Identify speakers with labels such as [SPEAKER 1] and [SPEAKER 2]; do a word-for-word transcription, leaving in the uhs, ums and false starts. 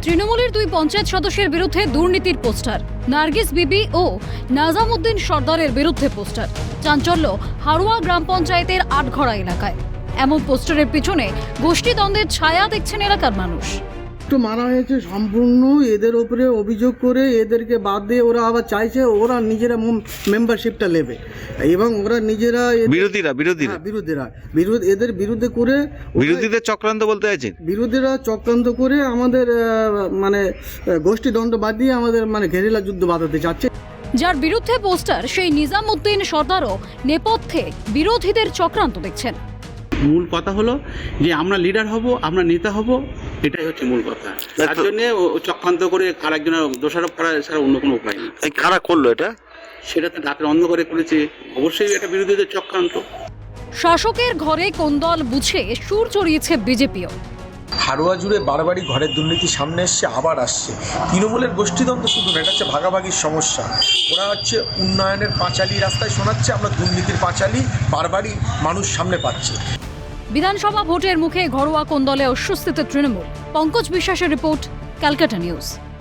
[SPEAKER 1] তৃণমূলের দুই পঞ্চায়েত সদস্যের বিরুদ্ধে দুর্নীতির পোস্টার, নার্গিস বিবি ও নাজামুদ্দিন সর্দারের বিরুদ্ধে পোস্টার। চাঞ্চল্য হারোয়া গ্রাম পঞ্চায়েতের আটঘড়া এলাকায়। এমন পোস্টারের পিছনে গোষ্ঠীদ্বন্দ্বের ছায়া দেখছেন এলাকার মানুষ।
[SPEAKER 2] তো মারা হয়েছে সম্পূর্ণ এদের ওপরে অভিযোগ করে এদেরকে বাদ দিয়ে ওরা আবার চাইছে ওরা নিজেরা মেম্বারশিপটা নেবে এবং ওরা নিজেরা
[SPEAKER 3] বিরোধীরা বিরোধীরা
[SPEAKER 2] হ্যাঁ, বিরোধীরা বিরোধ এদের বিরুদ্ধে করে ওরা-
[SPEAKER 3] বিরোধীদের চক্রান্ত বলতে চাইছেন?
[SPEAKER 2] বিরোধীরা চক্রান্ত করে আমাদের আহ, মানে আহ, গোষ্ঠীদ্বন্দ্ব বাদ দিয়ে আমাদের মানে ঘেরিলা যুদ্ধ বাঁধাতে চাচ্ছে।
[SPEAKER 1] যার বিরুদ্ধে পোস্টার সেই নিজামুদ্দিন সর্দারও নেপথ্যে বিরোধীদের চক্রান্ত দেখছেন।
[SPEAKER 4] মূল কথা হলো যে আমরা লিডার হব, আমরা নেতা হব, এটাই হচ্ছে মূল কথা। তার জন্য ও চক্রান্ত করে আরেকজনের দোষারোপ করা ছাড়া অন্য কোনো উপায় নেই।
[SPEAKER 3] এই কারা করলো এটা?
[SPEAKER 4] সেটা তো রাতের অন্ধকারে করেছে, অবশ্যই এটা বিরোধীদের চক্রান্ত।
[SPEAKER 1] শাসকের ঘরে কোন্দল বুঝে সুর চড়িয়েছে বিজেপিও।
[SPEAKER 5] হারোয়া জুড়ে বারবারই ঘরের দুর্নীতি সামনে এসছে, আবার আসছে। তৃণমূলের গোষ্ঠীদ্বন্দ্ব শুধু না, এটা হচ্ছে ভাগাভাগির সমস্যা। ওরা হচ্ছে উন্নয়নের পাঁচালি রাস্তায় শোনাচ্ছে, আমরা দুর্নীতির পাঁচালি বারবারই মানুষ সামনে পাচ্ছে।
[SPEAKER 1] বিধানসভা ভোটের মুখে ঘরোয়া কোন্দলে অস্বস্তিতে তৃণমূল। পঙ্কজ বিশ্বাসের রিপোর্ট, ক্যালকাটা নিউজ।